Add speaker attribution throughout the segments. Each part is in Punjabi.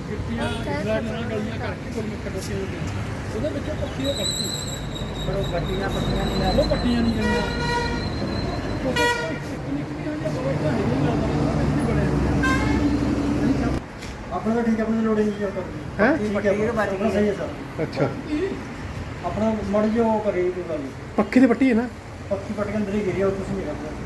Speaker 1: ਗਿੱਟੀਆਂ ਇਸਲਾ ਨਾਲ ਗਲੀਆਂ ਕਰਕੇ ਕੋਈ ਮਿੱਕ ਦੱਸੇ ਉਹਦੇ ਵਿੱਚੋਂ ਪੱਖੀ ਉਹ ਕੱਢੀ ਪਰ ਉਹ ਪੱਟੀਆਂ ਨਹੀਂ ਲੈ ਉਹ ਪੱਟੀਆਂ ਨਹੀਂ ਗਈਆਂ
Speaker 2: अपना तो ठीक है, अपने लोड नहीं होता
Speaker 3: हैं
Speaker 2: ठीक है, अपना सही है सर।
Speaker 3: अच्छा
Speaker 2: अपना मर जो करे कोई गल
Speaker 3: पक्की दी पट्टी है ना
Speaker 2: पक्की पट के अंदर ही गिरी और कुछ नहीं करता।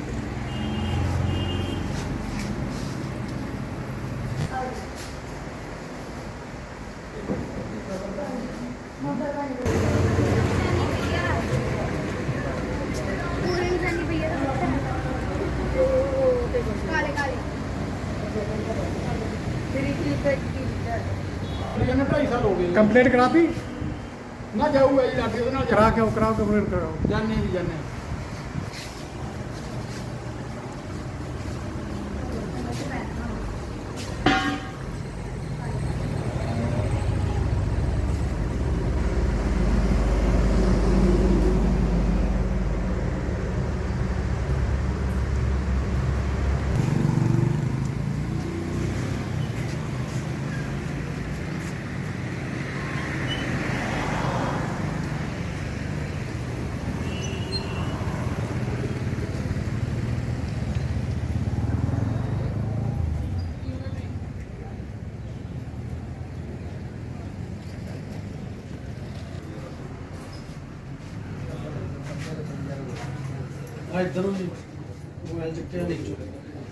Speaker 1: ढाई साल हो गए
Speaker 3: कंप्लेंट करा दी
Speaker 1: ना जाऊगा जी लाठी ਉਹਦੇ ਨਾਲ
Speaker 3: करा के कराओ कंप्लेंट कराओ
Speaker 1: ਜਾਣੇ ਵੀ ਜਾਣੇ
Speaker 2: इधरों ही मोबाइल चुके नहीं चुके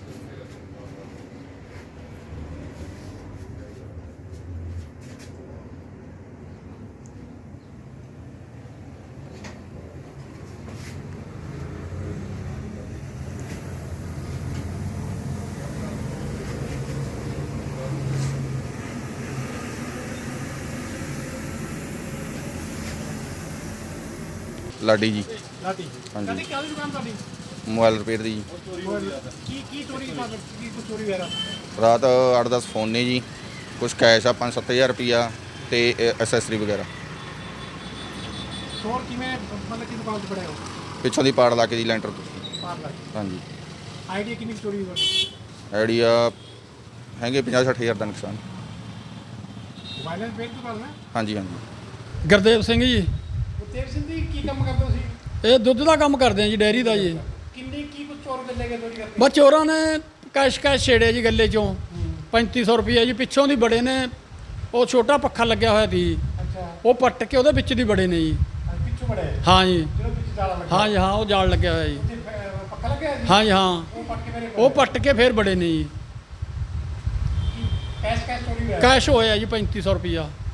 Speaker 4: ਲਾਡੀ ਜੀ
Speaker 1: ਲਾठी
Speaker 4: ਹਾਂਜੀ।
Speaker 1: ਲਾठी ਕਾਹਦੀ ਦੁਕਾਨ ਤੁਹਾਡੀ
Speaker 4: ਮੋਬਾਈਲ ਰਿਪੇਅਰ ਦੀ ਜੀ।
Speaker 1: ਕੀ ਚੋਰੀ ਮਤਲਬ ਕੀ ਕੁਛ ਚੋਰੀ ਵਗੈਰਾ
Speaker 4: ਰਾਤ 8-10 ਫੋਨ ਨੇ ਜੀ, ਕੁਝ ਕੈਸ਼ ਆ 5-7000 ਰੁਪਈਆ ਤੇ ਐਕਸੈਸਰੀ ਵਗੈਰਾ।
Speaker 1: ਚੋਰ ਕਿਵੇਂ ਮਤਲਬ ਕਿ ਦੁਕਾਨ ਤੇ ਫੜਿਆ ਹੋ
Speaker 4: ਪਿੱਛੋਂ ਦੀ ਪਾੜ ਲਾ ਕੇ ਜੀ ਲੈਂਟਰ ਤੋਂ।
Speaker 1: ਪਾਰਲਰ
Speaker 4: ਹਾਂਜੀ
Speaker 1: ਆਈਡੀਆ ਕਿੰਨੀ ਕੁ ਚੋਰੀ ਹੋਈ
Speaker 4: ਆਈਡੀਆ ਹੈਗੇ 50-60000 ਦਾ ਨੁਕਸਾਨ।
Speaker 1: ਵਾਇਲੈਂਸ ਬੇਲ ਦੁਕਾਨ ਹੈ
Speaker 4: ਹਾਂਜੀ ਹਾਂਜੀ।
Speaker 5: ਗੁਰਦੇਵ ਸਿੰਘ ਜੀ,
Speaker 1: ਗੁਰਤੇਜ ਸਿੰਘ ਜੀ ਕੀ ਕੰਮ ਕਰਦੇ ਹੋ ਤੁਸੀਂ
Speaker 5: ਇਹ ਦੁੱਧ ਦਾ ਕੰਮ ਕਰਦੇ ਆ ਜੀ, ਡੈਰੀ ਦਾ ਜੀ।
Speaker 1: ਕਿੰਨੀ ਕੀ ਕੁਛ ਚੋਰ ਗੱਲੇ ਗਏ ਚੋਰੀ ਕਰਦੇ
Speaker 5: ਬਸ ਚੋਰਾਂ ਨੇ ਕੈਸ਼ ਛੇੜਿਆ ਜੀ ਗੱਲੇ ਚੋਂ 3500 ਰੁਪਈਆ ਜੀ। ਪਿੱਛੋਂ ਦੀ ਬੜੇ ਨੇ, ਉਹ ਛੋਟਾ ਪੱਖਾ ਲੱਗਿਆ ਹੋਇਆ ਸੀ,
Speaker 1: ਅੱਛਾ
Speaker 5: ਉਹ ਪੱਟ ਕੇ ਉਹਦੇ ਵਿੱਚ ਦੀ ਬੜੇ ਨੇ ਜੀ।
Speaker 1: ਪਿੱਛੋਂ ਬੜੇ
Speaker 5: ਹਾਂ ਜੀ,
Speaker 1: ਜਿਹੜਾ ਪਿੱਛੇ ਜਾਲਾ ਲੱਗਾ
Speaker 5: ਹਾਂ ਜੀ, ਹਾਂ ਉਹ ਜਾਲ ਲੱਗਿਆ ਹੋਇਆ ਜੀ।
Speaker 1: ਉੱਥੇ ਪੱਕਾ ਲੱਗਿਆ ਜੀ
Speaker 5: ਹਾਂ ਜੀ, ਹਾਂ
Speaker 1: ਉਹ ਪੱਟ ਕੇ ਮੇਰੇ
Speaker 5: ਉਹ ਪੱਟ ਕੇ ਫੇਰ ਬੜੇ ਨੇ ਜੀ।
Speaker 1: ਕੈਸ਼ ਚੋਰੀ ਹੋਇਆ
Speaker 5: ਕੈਸ਼ ਹੋਇਆ ਜੀ 3500 ਰੁਪਈਆ।